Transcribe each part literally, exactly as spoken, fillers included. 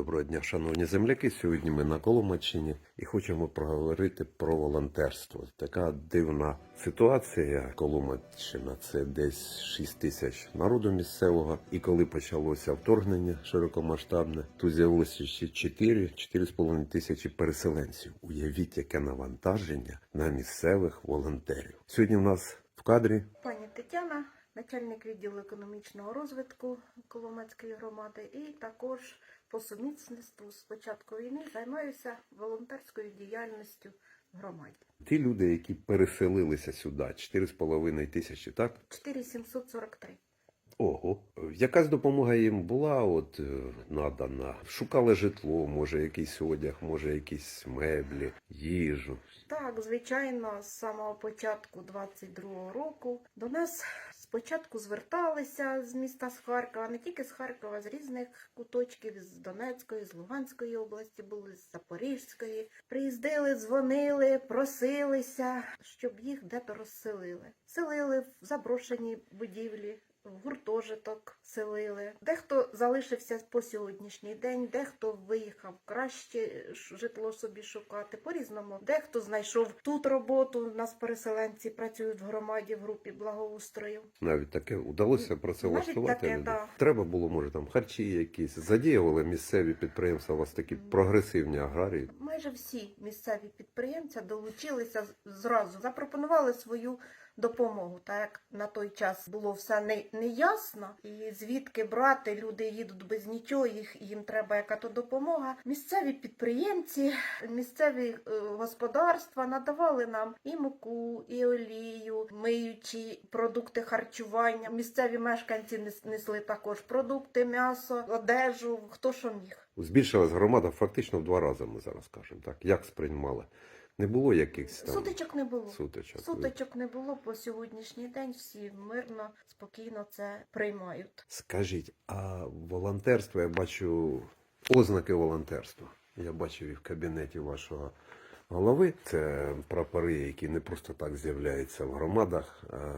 Доброго дня, шановні земляки. Сьогодні ми на Коломийщині і хочемо проговорити про волонтерство. Така дивна ситуація. Коломийщина – це десь шість тисяч народу місцевого. І коли почалося вторгнення широкомасштабне, тут з'явилося ще чотири-чотири з половиною тисячі переселенців. Уявіть, яке навантаження на місцевих волонтерів. Сьогодні в нас в кадрі Пані Тетяна, начальник відділу економічного розвитку Коломийської громади, і також по сумісництву з початку війни займаюся волонтерською діяльністю в громаді. ті люди, які переселилися сюди, чотири з половиною тисячі, так? чотири тисячі сімсот сорок три. Ого. Якась допомога їм була от е, надана? Шукали житло, може якийсь одяг, може якісь меблі, їжу. Так, звичайно, з самого початку двадцять другого року до нас спочатку зверталися з міста з Харкова, не тільки з Харкова, з різних куточків, з Донецької, з Луганської області були, з Запорізької. Приїздили, дзвонили, просилися, щоб їх де-то розселили. Селили в заброшені будівлі, в гуртожиток селили. Дехто залишився по сьогоднішній день, дехто виїхав краще житло собі шукати, по-різному. Дехто знайшов тут роботу, у нас переселенці працюють в громаді, в групі благоустрою. Навіть таке вдалося працевлаштувати Навіть таке, людей? да. Треба було, може, там харчі якісь. Задіювали місцеві підприємства, у вас такі прогресивні аграрії. Майже всі місцеві підприємці долучилися зразу, запропонували свою допомогу. Так як на той час було все не, не ясно, і звідки брати, люди їдуть без нічого, їх, їм треба яка-то допомога. Місцеві підприємці, місцеві е, господарства надавали нам і муку, і олію, миючі продукти харчування. Місцеві мешканці нес- несли також продукти, м'ясо, одежу, хто що міг. Збільшилась громада фактично в два рази, ми зараз кажемо. Так, як сприймали? Не було якихось там Сутичок не було. сутичок? Сутичок не було по сьогоднішній день. Всі мирно, спокійно це приймають. Скажіть, а волонтерство, я бачу ознаки волонтерства. Я бачив і в кабінеті вашого голови. Це прапори, які не просто так з'являються в громадах. А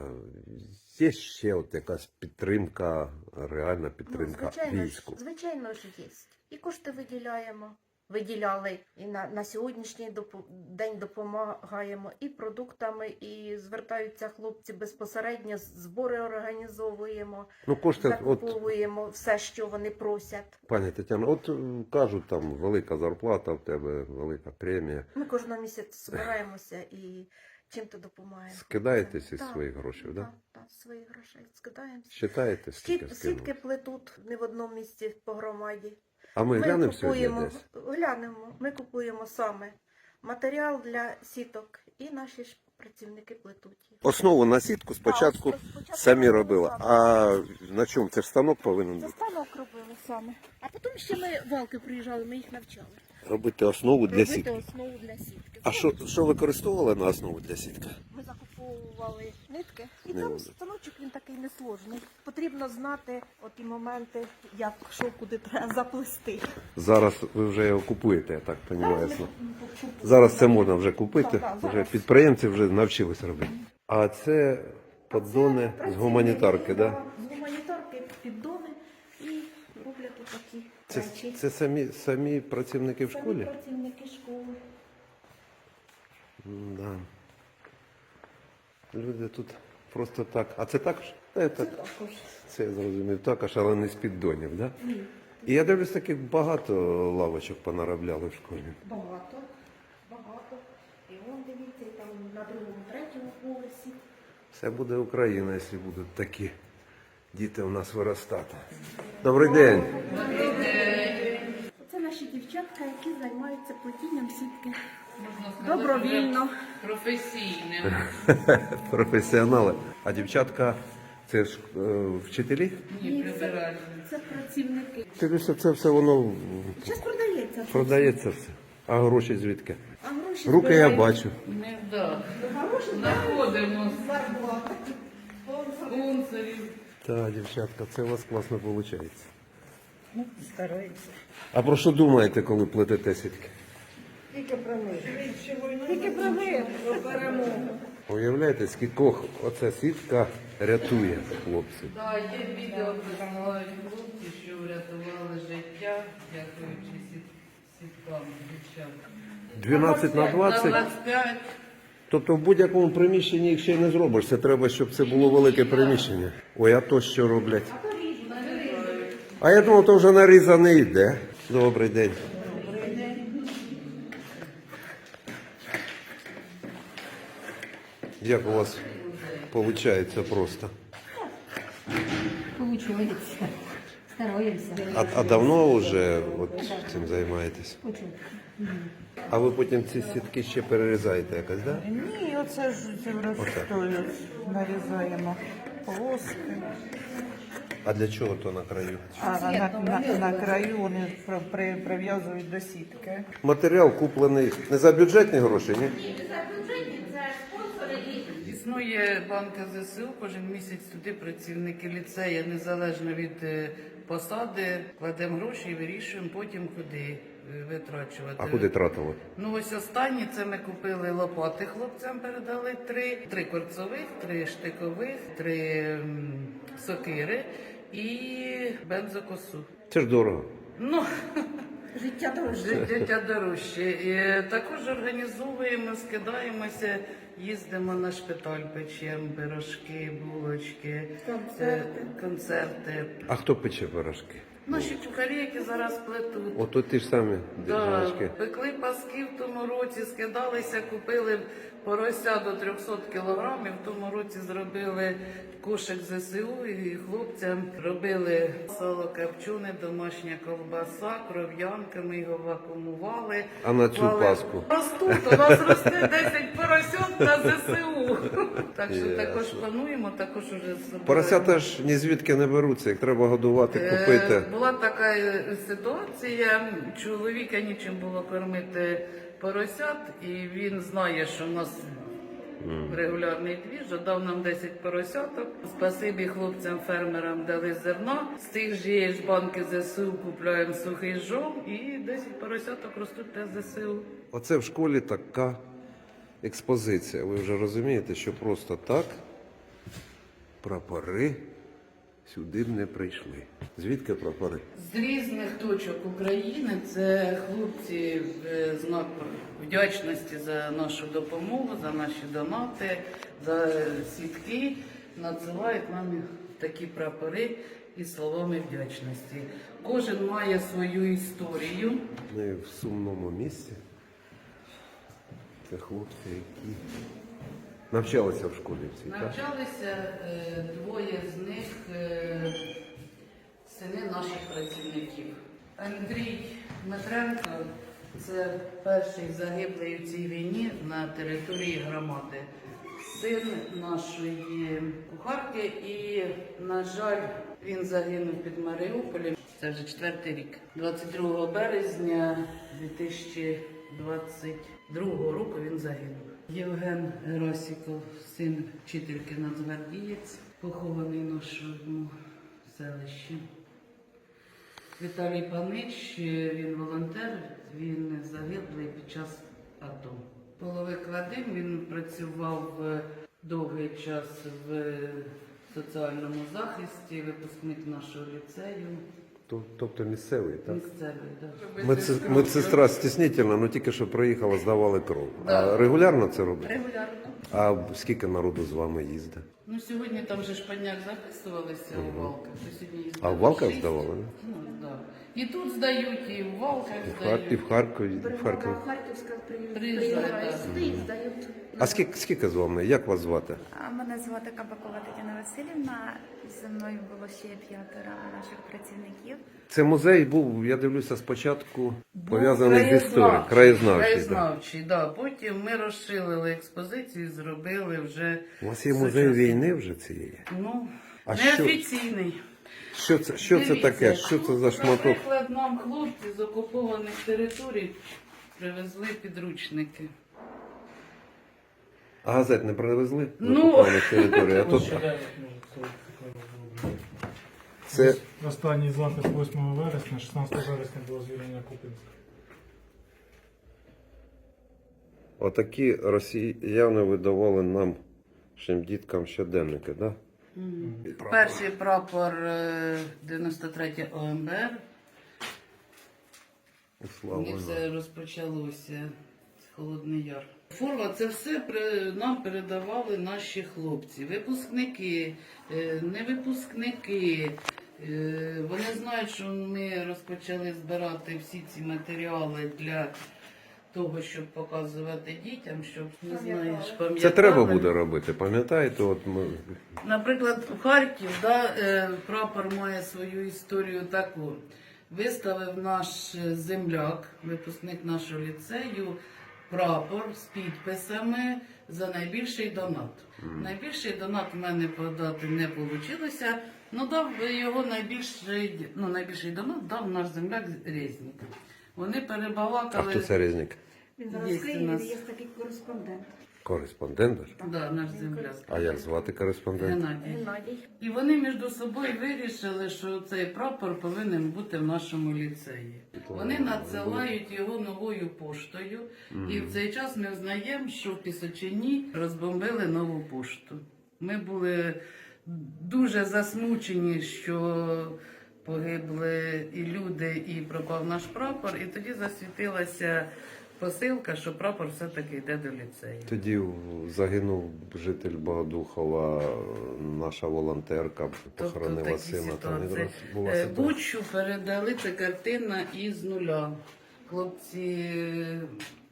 є ще от якась підтримка, реальна підтримка Ну, звичайно, війську. ж- звичайно ж є. І кошти виділяємо. Виділяли і на, на сьогоднішній допо- день допомагаємо і продуктами, і звертаються хлопці безпосередньо, збори організовуємо, Ну, кошти, от, закуповуємо все, що вони просять. пані Тетяно, от м, кажуть, там велика зарплата в тебе, велика премія. Ми кожного місяця збираємося і чим-то допомагаємо. Скидаєтесь із Так, своїх грошей, так? Да? Так, так, своїх грошей скидаємося. Считаєте, скільки Сіт, скинули? сітки плетуть не в одному місці по громаді. А ми, Ми глянемо сьогодні купуємо, десь? глянемо, ми купуємо саме матеріал для сіток і наші ж працівники плетуть їх. Основу на сітку спочатку Так, спочатку самі робили робила. самі. А на чому? Це ж станок повинен Це бути. станок робили саме. А потім ще ми валки приїжджали, ми їх навчали. Робити основу для Робити сітки. основу для сітки. А що, що використовували на основу для сітки? Ми закуповували нитки. І Не там буде. станочок він такий несложний. Потрібно знати оті моменти, як що куди треба заплести. Зараз ви вже його купуєте, я так розумію. Зараз ми купуємо. Зараз це можна вже купити. Так, так, Вже зараз. підприємці вже навчились робити. А це поддони з гуманітарки, так? Да? З гуманітарки піддони і роблять тут такі Це, речі. це самі, самі працівники в Самі школі? працівники школи. Да. Люди тут просто так. А це також? Це, Це так. також. Це я зрозумів також, але не з піддонів, так? Да? Ні. І я дивлюсь, таких багато лавочок понаробляли в школі. Багато. Багато. І вон дивіться, і там на другому, третьому поверсі. Все буде Україна, якщо будуть такі діти у нас виростати. Добрий день. Це наші дівчатка, які займаються плетінням сітки. Можна сказати, Добровільно. вже професійним. Професіонали. А дівчатка це ж е, вчителі? Ні, прибиральні. Це працівники. Дивлюся, це все воно Зараз продається. продається все. А гроші звідки? А гроші Руки я збирають. бачу. Не вдах. Гроші Знаходимо зарплата. спонсорів. Так, дівчатка, це у вас класно виходить. Ну, стараємося. А про що думаєте, коли плетете сітки? Тільки про мир. Тільки про мир, про перемогу. Уявляєте, скількох оця сітка рятує хлопців? Так, є відео, де допомагають хлопці, що врятували життя, дякуючи сіт- сіткам дівчат. дванадцять на На двадцять. двадцять п'ять. Тобто в будь-якому приміщенні їх ще й не зробиш. Це треба, щоб це було велике приміщення. Ой, а то що роблять? А я думав, то вже нарізаний йде. Добрий день. Як у вас виходить просто? Получается. Стараемся. А, а давно вже от цим займаєтесь? А ви потім ці сітки ще перерізаєте якось, так? Да? Ні, оце ж ці розстоють, нарізаємо полоски, А для чого то на краю? а на, на, на краю вони при- при- прив'язують до сітки. Матеріал куплений не за бюджетні гроші, ні? Існує банка ЗСУ, кожен місяць туди працівники ліцею, незалежно від е, посади, кладемо гроші і вирішуємо потім куди е, витрачувати. А куди тратили? Ну ось останні це ми купили лопати хлопцям, передали три, три корцових, три штикових, три м, сокири і бензокосу. Це ж дорого. Ну, Життя дорожче. життя дорожче. І е, також організовуємо, скидаємося, їздимо на шпиталь, печемо пирожки, булочки, Концерти. е, концерти. А хто пече пирожки? Наші чухарі, які зараз плетуть. Ото ті ж самі Да, пирожки. пекли паски в тому році, скидалися, купили порося до триста кілограмів. В тому році зробили кошик ЗСУ і хлопцям робили сало копчене, домашня ковбаса, кров'янка, ми його вакуумували. А на цю Клали- Пасху? Ростуть, у нас росте десять поросят на ЗСУ. Так що Ясно. також плануємо, також уже зробили. Поросята ж ні звідки не беруться, їх треба годувати, Е, купити. Була така е, ситуація, чоловіка нічим було кормити поросят, і він знає, що в нас регулярний двіж, дав нам десять поросяток. Спасибі хлопцям-фермерам дали зерна. З тих же ж банки ЗСУ купляємо сухий жом і десять поросяток ростуть для ЗСУ. Оце в школі така експозиція. Ви вже розумієте, що просто так прапори сюди б не прийшли. Звідки прапори? З різних точок України це хлопці в знак вдячності за нашу допомогу, за наші донати, за сітки надсилають нам такі прапори із словами вдячності. Кожен має свою історію. Ми в сумному місці. Це хлопці, які навчалися в школі всі, так? Навчалися е, двоє з них е, сини наших працівників. Андрій Дмитренко це перший загиблий у цій війні на території громади. Син нашої кухарки і, на жаль, він загинув під Маріуполем. Це вже четвертий рік. двадцять другого березня дві тисячі двадцять другого року він загинув. Євген Герасіков, син вчительки нацгвардієць, похований в нашому селищі. Віталій Панич, він волонтер, він загиблий під час АТО. Половик Вадим, він працював е, довгий час в соціальному захисті, випускник нашого ліцею. То- Тобто місцевий, так? Місцевий, так. Медси- Медсестра стіснительна, але тільки що приїхала, здавали кров. А Да. регулярно це робить? Регулярно. А скільки народу з вами їздить? Ну, сьогодні там же шпаняк записувалися у Валках. то сьогодні їздили А в Валках шість. здавали, да? Ну, да. І тут здають, і в Валках І в, здають. Хар... і в Харкові, і в Бригада Харкові. Харківська Приїжджає, приїжджає так. сюди і здають. А скільки, скільки з вами? Як вас звати? А мене звати Кабакова Тетяна Васильівна. Зі мною було ще п'ятеро наших працівників. Це музей був, я дивлюся, спочатку пов'язаний з історією. Краєзнавчий, Краєзнавчий. Да. краєзнавчий, да. Потім ми розширили експозицію і зробили вже... У вас є музей сучасний. війни вже цієї? Ну, А що? неофіційний. Що це, що це Дивіться, таке? Що це за шматок? Наприклад, нам хлопці з окупованих територій привезли підручники. А газет не привезли? з Ну. окупованих територій? А тут це Останній запис восьмого вересня, шістнадцятого вересня було звільнення Купінська. отакі росіяни видавали нам, нашим діткам щоденники, да? Прапор. Перший прапор е, дев'яносто третє О М Б Р. Слава І Богу. все розпочалося з Холодний Яр. Форма це все при- нам передавали наші хлопці, випускники, е, не випускники. Е, Вони знають, що ми розпочали збирати всі ці матеріали для того, щоб показувати дітям, щоб не знаєш, пам'ятали. Це треба буде робити, пам'ятаєте? От ми... Наприклад, у Харків да, е, прапор має свою історію таку. Виставив наш земляк, випускник нашого ліцею, прапор з підписами за найбільший донат. Найбільший донат в мене подати не вийшло, але дав його найбільший, ну, найбільший донат дав наш земляк Резнік. Вони А перебалакали. хто це Резник? Він зараз Є в у Києві, нас. є такий кореспондент. Кореспондент? Да, наш земляк. А як звати кореспондента? Геннадій. Геннадій. І вони між собою вирішили, що цей прапор повинен бути в нашому ліцеї. Вони надсилають його новою поштою, і в цей час ми знаємо, що в Пісочині розбомбили нову пошту. Ми були дуже засмучені, що погибли і люди, і пропав наш прапор, і тоді засвітилася посилка, що прапор все-таки йде до ліцею. Тоді загинув житель Богодухова, наша волонтерка, похоронила такі сина. Там ситуації. якраз була Е, ситуація. Бучу передали, це картина із нуля. Хлопці е,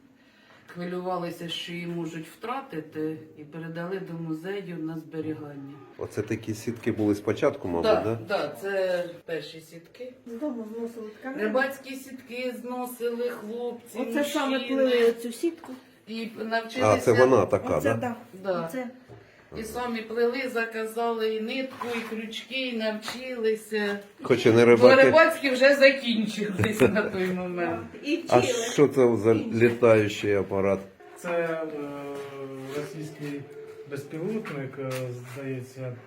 хвилювалися, що її можуть втратити, і передали до музею на зберігання. Оце такі сітки були спочатку, мабуть, Так, да? да, це перші сітки. З дому зносили тканину. Рибацькі сітки зносили хлопці, Оце саме мужчини. плели цю сітку. І навчилися. А, це вона така, Оце, да? да. Да. Оце. І самі плели, заказали і нитку, і крючки, і навчилися. Хоч і не Бо рибаки. рибацькі вже закінчились на той момент. І А вчили. що це за літаючий апарат? Це е, російський безпілотник, е, здається, е,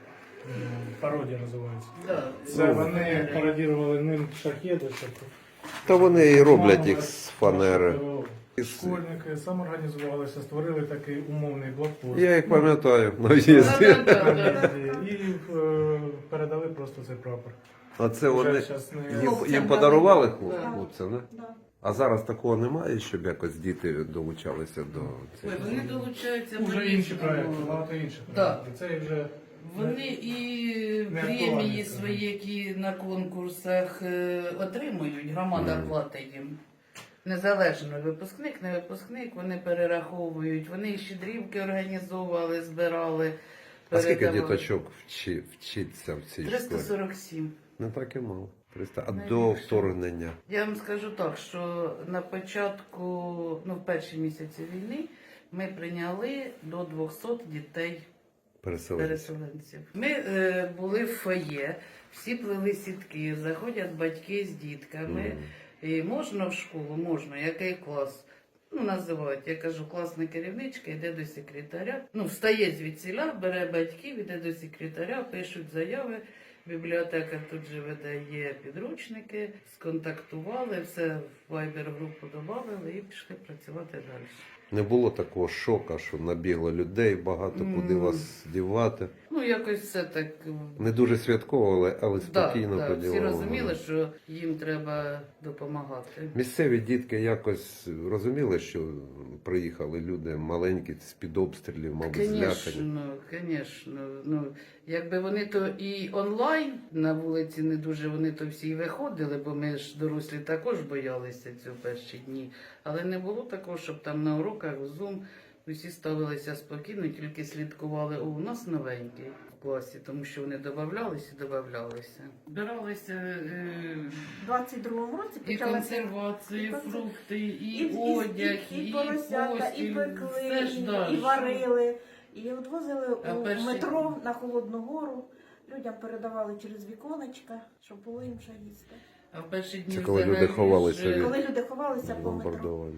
пародія називається. Да. Це вони пародірували ним шахеди. тобто Та вони і роблять мама їх з фанери. нашого Школьники самоорганізувалися, створили такий умовний блокпост. Я їх пам'ятаю на в'їзді. Да-да-да. І е, передали просто цей прапор. А це Вже вони щас не- їм, Хлопцям їм подарували дали. Да. хлопцям, не? Да. А зараз такого немає, щоб якось діти долучалися до Ой, цього. вони долучаються Вже інші по-різному. проекти, багато інших Да. проєктів. Це вже Вони і Не премії актуальні свої, які на конкурсах е, отримують, громада Мгм. платить їм. Незалежно випускник, не випускник, вони перераховують, вони і щедрівки організовували, збирали. А скільки передавали. діточок вчи, вчиться в цій триста школі? сорок сім. Не так і мало. триста. А Найбільше. до вторгнення? Я вам скажу так, що на початку, ну в перші місяці війни, ми прийняли до двохсот дітей Переселенці. переселенців. Ми е, були в фоє, всі плели сітки, заходять батьки з дітками. Мгм. І можна в школу, можна, який клас. Ну, називають. Я кажу, класна керівничка йде до секретаря. Ну, встає звідсіля, бере батьків, йде до секретаря, пишуть заяви. Бібліотека тут же видає підручники, сконтактували, все в Viber-групу додали і пішли працювати далі. Не було такого шока, що набігло людей багато, куди М. вас дівати. Ну, якось все так. Не дуже святково, але, але Да, спокійно да, всі поділили. розуміли, що їм треба допомагати. Місцеві дітки якось розуміли, що приїхали люди маленькі з-під обстрілів, мабуть, злякані. Звісно, звісно. Ну, якби вони то і онлайн на вулиці не дуже, вони то всі й виходили, бо ми ж дорослі також боялися цього перші дні. Але не було такого, щоб там на уроках в Zoom усі ставилися спокійно, тільки слідкували, о, у нас новенький в класі, тому що вони додавалися і додавалися. Збиралися е, У двадцять другому році і почалася консервації, і фрукти, і, і, і, одяг, і, і, і поросята, постіль, і пекли, все ж і, далі. і варили, і відвозили А у перші- метро на Холодну Гору. Людям передавали через віконечка, щоб було їм що їсти. А в перші дні Це коли люди взагалі ховалися ж від- Коли люди ховалися по метро. Бомбардовані.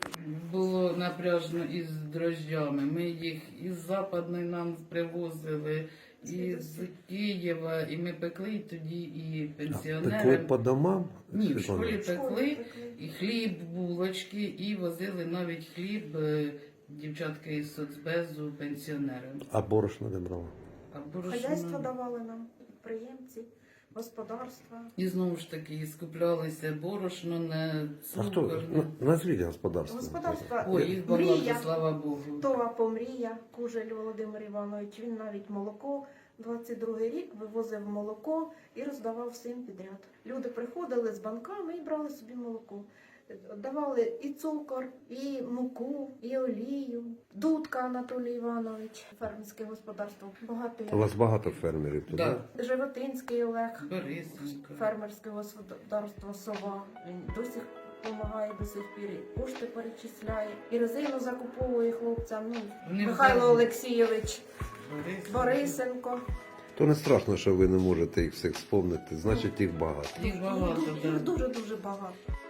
було напряжно із дрожжами. Ми їх із Западної нам привозили, із Києва, і ми пекли і тоді і Пекли пенсіонерам. по домам? Ні, в Світлана? школі В школі пекли, пекли. і хліб, булочки, і возили навіть хліб е, дівчатки із соцбезу пенсіонерам. А борошна не брала? А борошно- Хазяйства давали нам, підприємці, господарства. І знову ж таки скуплялися борошно, не А хто? цукор. не- На- Назвіть господарство. Господарства Ой, їх багато, Мрія, слава Богу. Това Помрія, Кужель Володимир Іванович, він навіть молоко, двадцять другий рік вивозив молоко і роздавав всім підряд. Люди приходили з банками і брали собі молоко. Давали і цукор, і муку, і олію. Дудка Анатолій Іванович, фермерське господарство. Багато У є. вас багато фермерів тут, Да. да? Животинський Олег, Борисенько. фермерське господарство Сова. Він до сих допомагає до сих пір, і кошти перечисляє, і резину закуповує хлопцям. Ну, Вони Михайло взагалі- Олексійович, Борисенько. Борисенко. То не страшно, що ви не можете їх всіх вспомнити, значить їх багато. Їх багато, Їх так. дуже-дуже багато.